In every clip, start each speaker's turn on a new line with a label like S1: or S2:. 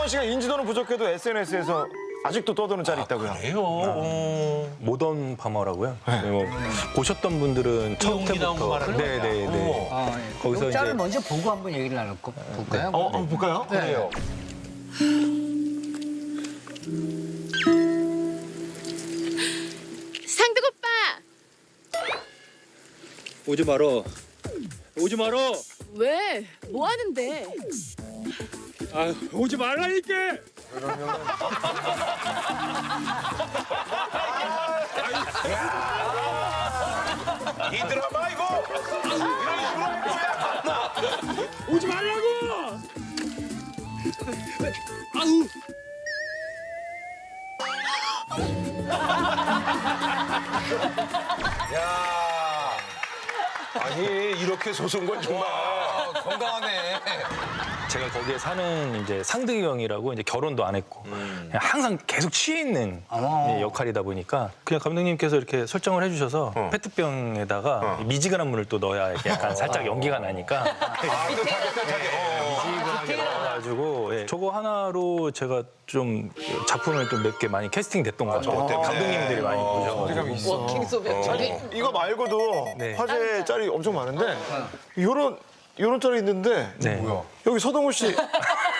S1: 씨가 인지도는 부족해도 SNS에서 아직도 떠도는 짤이 있다고요.
S2: 그래요?
S3: 모던 파머라고요. 네, 뭐 보셨던 분들은 첫
S2: 이용기 나온 거
S3: 회부터
S2: 말하는
S3: 네네네. 거기서
S4: 이 짤을
S3: 이제
S4: 먼저 보고 한번 얘기를 나눌까 볼까요?
S1: 한번 볼까요?
S2: 그래요.
S5: 상득 오빠!
S3: 오지 말어. 오지 말어.
S5: 왜? 뭐 하는데?
S3: 아 오지 말라니까.
S2: 이 드라마 이거 이런 식으로 할 거야.
S3: 오지 말라고. 아우.
S2: 야, 아니 이렇게 소송 건 정말 건강하네.
S3: 제가 거기에 사는 이제 상득이 형이라고 이제 결혼도 안 했고 그냥 항상 계속 취해 있는 역할이다 보니까 그냥 감독님께서 이렇게 설정을 해주셔서 페트병에다가 미지근한 물을 또 넣어야 이렇게 약간 살짝 연기가 나니까
S2: 아그 타게.
S3: 가지고 저거 하나로 제가 좀 작품을 좀 몇 개 많이 캐스팅 됐던 것 같아요.
S2: 때문에.
S3: 감독님들이 많이 보셔가지고.
S5: 워킹 소변 저기
S1: 이거 말고도
S3: 네.
S1: 화제 짤이 엄청 많은데 요런 짤이 있는데
S3: 네.
S2: 뭐야?
S1: 여기 서동훈 씨
S2: 이건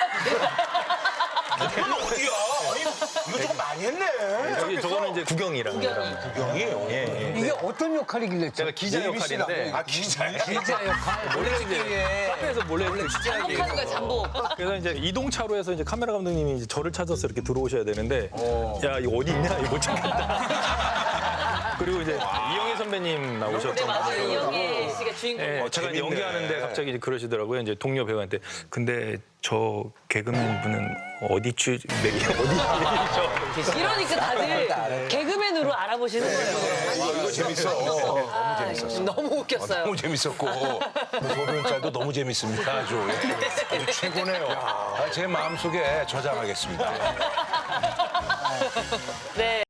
S2: 어디야? 아니 이거 좀 많이 했네.
S3: 여기 저거는 이제 구경이라는
S2: 구경이에요.
S4: 이게 어떤 역할이길래
S3: 제가 기자 역할인데
S2: 아 기자야.
S4: 기자 역할?
S3: 몰래 이제 카페에서 몰래
S5: 잠복하는 거야 잠복.
S3: 그래서 이제 이동차로에서 이제 카메라 감독님이 이제 저를 찾아서 이렇게 들어오셔야 되는데 야 이거 어디 있냐 이거 못 찾겠다. 그리고 이제 이영애 선배님 나오셨던
S5: 네 맞아요
S3: 거죠.
S5: 이영애 씨가 주인공.
S3: 네, 제가 이제
S2: 재밌네.
S3: 연기하는데 갑자기 이제 그러시더라고요. 이제 동료 배우한테 근데 저 개그맨 분은 어디 어디죠?
S5: 이러니까 다들 개그맨으로 알아보시는 거예요.
S2: 이거 재밌어. 너무 재밌었어.
S5: 너무 웃겼어요.
S2: 너무 재밌었고 소변 짤도 너무 재밌습니다. 아주 최고네요. 제 마음속에 저장하겠습니다.
S5: 네.